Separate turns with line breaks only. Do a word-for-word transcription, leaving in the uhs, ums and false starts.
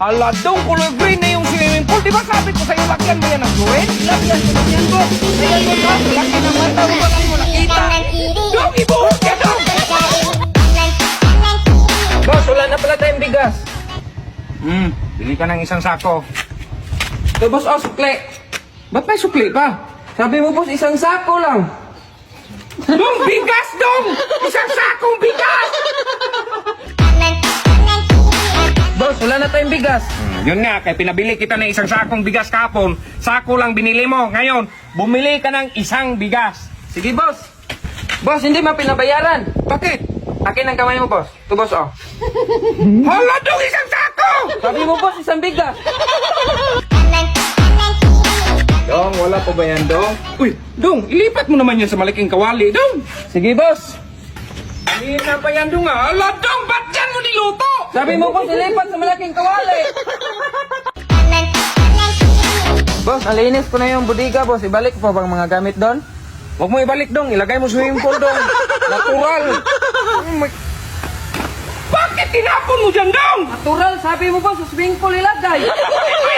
Hala, dong, kulay green na yung swimming pool. Di ba sabi ko sa'yo, lakyan mo yan ng gawin? Lakyan ko, lakyan ko. Ayan mo ka, laki ng mata mo, walang mo nakita. Dong, ibuhok ka, dong! Boss, wala na pala tayong bigas. Hmm, bili ka ng isang sako. Ito, boss, oh, sukli. Ba't may sukli pa? Sabi mo, boss, isang sako lang. Dong, bigas, dong! Isang sakong bigas! Boss, wala na tayong bigas. Hmm, yun nga, kaya pinabili kita ng isang sakong bigas kahapon. Sako lang binili mo. Ngayon, bumili ka ng isang bigas. Sige, boss. Boss, hindi mo pinabayaran. Bakit? Akin ang kamay mo, boss. Ito, boss, oh. Hala, dong, isang sako! Sabi mo, boss, isang bigas. Dong, wala pa ba yan, Dong? Uy, Dong, ilipat mo naman yan sa malaking kawali, Dong. Sige, boss. Alihin na pa yan, Dong, ah. Ala, Dong, ba't yan mo niluto? Sabi mo, boss, ilipat sa malaking kawali. Boss, nalinis ko na yung budiga, boss. Ibalik po bang mga gamit doon? Huwag mo ibalik, Dong. Ilagay mo sa swimming pool, Dong. Natural. Oh my... Bakit tinapon mo dyan, Dong? Natural, sabi mo, boss, sa swimming pool ilagay.